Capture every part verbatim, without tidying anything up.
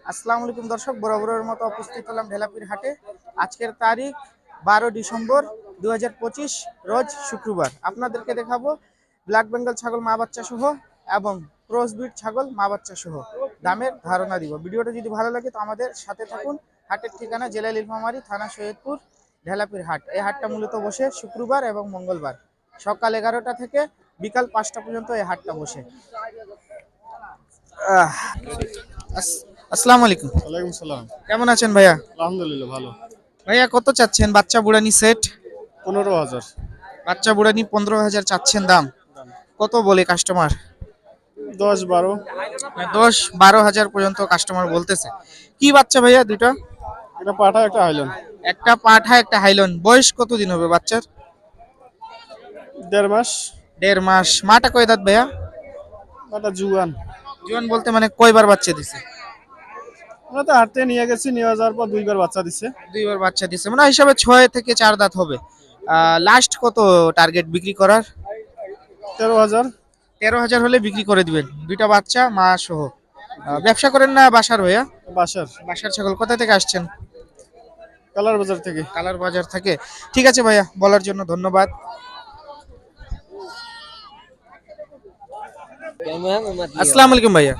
আসসালামু আলাইকুম দর্শক, বরাবরের মতো উপস্থিত হলাম ঢেলাপির হাটে। আজকের তারিখ বারো ডিসেম্বর দু হাজার পঁচিশ, রোজ শুক্রবার। আপনাদেরকে দেখাবো ব্ল্যাক বেঙ্গল ছাগল মা বাচ্চা সহ এবং ক্রসবিট ছাগল মা বাচ্চা সহ দামের ধারণা দিব। ভিডিওটা যদি ভালো লাগে তো আমাদের সাথে থাকুন। হাটের ঠিকানা জেলা নীলফামারী, থানা সৈয়দপুর, ঢেলাপির হাট। এই হাটটা মূলত বসে শুক্রবার এবং মঙ্গলবার সকাল এগারোটা থেকে বিকাল পাঁচটা পর্যন্ত এই হাটটা বসে। আহ, আস- আসসালামু আলাইকুম। ওয়ালাইকুম সালাম। কেমন আছেন ভাইয়া? আলহামদুলিল্লাহ ভালো। ভাইয়া কত চাচ্ছেন বাচ্চা বুড়ানি সেট? পনেরো হাজার। বাচ্চা বুড়ানি পনেরো হাজার চাচ্ছেন দাম। কত বলে কাস্টমার? দশ বারো। দশ বারো হাজার পর্যন্ত কাস্টমার বলতেছে। কি বাচ্চা ভাইয়া দুটো? এটা পাঠা একটা হাইলন। একটা পাঠা একটা হাইলন। বয়স কতদিন হবে বাচ্চার? দেড় মাস। দেড় মাস। মাটা কয় দাঁত ভাইয়া? একটা জুয়ান। জীবন বলতে মানে কয়বার বাচ্চা দিছে? আমরা তো হাঁটতে নিয়ে গেছি, নিয়ে যাওয়ার পর দুইবার বাচ্চা দিচ্ছে। দুইবার বাচ্চা দিছে, মানে হিসাবে ছয় থেকে চার দাঁত হবে। লাস্ট কত টার্গেট বিক্রি করার? তেরো হাজার। তেরো হাজার হলে বিক্রি করে দিবেন, দুইটা বাচ্চা মা সহ। আহ, ব্যবসা করেন না বাসার ভাইয়া? বাসার। বাসার ছাগল। কোথা থেকে আসছেন? কালার বাজার থেকে। কালার বাজার থেকে। ঠিক আছে ভাইয়া, বলার জন্য ধন্যবাদ। আসসালামু আলাইকুম ভাইয়া।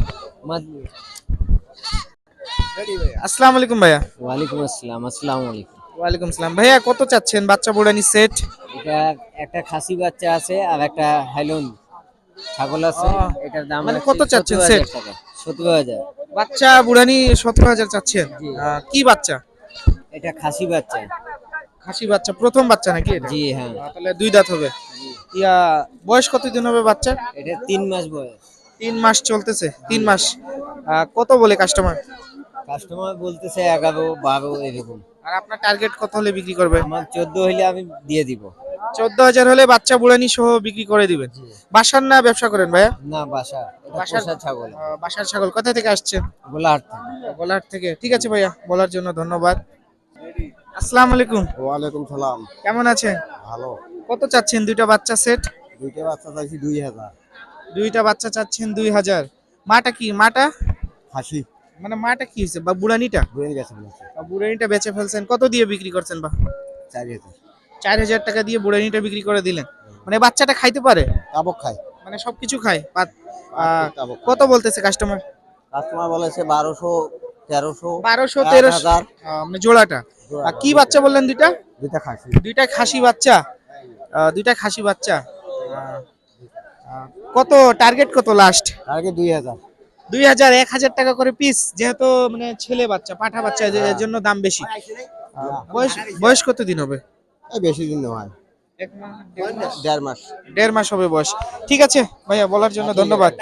আসসালামু আলাইকুম ভাইয়া। ওয়ালাইকুম আসসালাম। আসসালামু আলাইকুম। ওয়ালাইকুম সালাম। ভাইয়া কত চাচ্ছেন বাচ্চা বুড়ানি সেট? এটা একটা খাসি বাচ্চা আছে আর একটা হাইলন ছাগল আছে। আহ, এটার দাম মানে আছে কত চাচ্ছেন সত্তর সেট? হাজার টাকা। সত্তর হাজার। বাচ্চা বুড়ানি সতেরো হাজার চাচ্ছেন। জি। আহ, কি বাচ্চা? এটা খাসি বাচ্চা। খাসি বাচ্চা, প্রথম বাচ্চা নাকি এটা? জি হ্যাঁ। আহ, তাহলে দুই দাঁত হবে। ইয়া, বয়স কতদিন হবে বাচ্চা? এটা তিন মাস বয়স। তিন মাস চলতেছে। তিন মাস। আহ, কত বলে কাস্টমার? কাস্টমার বলতেছে এগারো বারো এরকম। আর আপনার টার্গেট কত হলে বিক্রি করবেন? আমার চোদ্দ হইলে আমি দিয়ে দিব। চোদ্দ হাজার হলে বাচ্চা বুড়ানি সহ বিক্রি করে দিবেন। বাসার না ব্যবসা করেন ভাইয়া? না বাসা। এটা বাসার পোষা ছাগল। আহ, বাসার ছাগল। কোথা থেকে আসছেন? গোলাহাট থেকে। বলার থেকে। ঠিক আছে ভাইয়া, বলার জন্য ধন্যবাদ। আসসালামু আলাইকুম। ওয়ালাইকুম সালাম। কেমন আছেন? ভালো। কত চাচ্ছেন দুইটা বাচ্চা সেট? দুইটা বাচ্চা চাইছি দুই হাজার। দুইটা বাচ্চা চাচ্ছেন দুই হাজার। মাটা কি? মাটা হাসি মানে মাটা কি হয়েছে বা বুড়ানিটা? বয়ে গেছে বলেছে। বা বুড়ানিটা বেচে ফেলছেন। কত দিয়ে বিক্রি করছেন বা? চার হাজার। চার হাজার টাকা দিয়ে বুড়ানিটা বিক্রি করে দিলেন। মানে বাচ্চাটা খাইতে পারে? কাবক খায়। মানে সবকিছু খায়? পাত- আহ, কাবক খায়। কত বলতেছে কাস্টমার? কাস্টমার বলেছে বারোশো তেরোশো বারোশো তেরোশো মানে জোড়াটা। আর কি বাচ্চা বললেন দুইটা? দুইটা খাসি। দুইটা খাসি বাচ্চা। আহ, দুইটা খাসি বাচ্চা। আহ, আহ, কত টার্গেট কত লাস্ট? আগে দুই হাজার। দুই হাজার। এক হাজার টাকা করে পিস, যেহেতু মানে ছেলে বাচ্চা পাঠা বাচ্চা, এর এর জন্য দাম বেশি। আহ, বয়স বয়স কত দিন হবে? এই বেশি দিন নয়। এক মাস, দেড় মাস? দেড় মাস। দেড় মাস হবে বয়স। ঠিক আছে ভাইয়া, বলার জন্য ধন্যবাদ।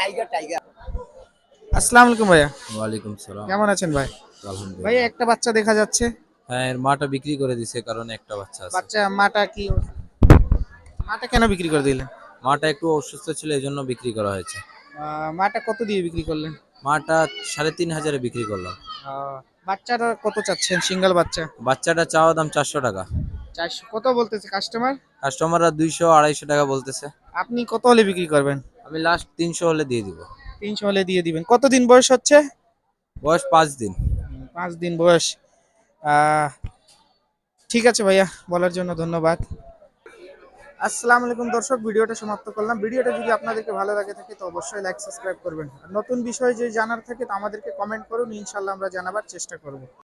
আসসালামু আলাইকুম ভাইয়া। ওয়ালাইকুম সালাম। কেমন আছেন ভাই? আলহামদুলিল্লাহ। ভাইয়া একটা বাচ্চা দেখা যাচ্ছে। হ্যাঁ, এর মাটা বিক্রি করে দিছে কারণ একটা বাচ্চা আছে। বাচ্চা মাটা কি? মাটা কেন বিক্রি করে দিলেন? মাটা একটু অসুস্থ ছিল এই জন্য বিক্রি করা হয়েছে। আহ, মাটা কত দিয়ে বিক্রি করলেন? মাটা সাড়ে তিন হাজারে বিক্রি করলাম। আহ, বাচ্চাটা কত চাচ্ছেন? সিঙ্গেল বাচ্চা। বাচ্চাটা চাওয়া দাম চারশো টাকা। চারশো। কত বলতেছে কাস্টমার? কাস্টমাররা দুইশো আড়াইশো টাকা বলতেছে। আপনি কত হলে বিক্রি করবেন? আমি লাস্ট তিনশো হলে দিয়ে দিব। তিনশো হলে দিয়ে দিবেন। কতদিন বয়স হচ্ছে? বয়স পাঁচ দিন। হুম, পাঁচ দিন বয়স। আহ, ঠিক আছে ভাইয়া, বলার জন্য ধন্যবাদ। আসসালামু আলাইকুম দর্শক, ভিডিওটা সমাপ্ত করলাম। ভিডিওটা যদি আপনাদেরকে ভালো লাগে থাকে তো অবশ্যই লাইক সাবস্ক্রাইব করবেন। আর নতুন বিষয় যদি জানার থাকে তো আমাদেরকে কমেন্ট করুন, ইনশাল্লাহ আমরা জানাবার চেষ্টা করব।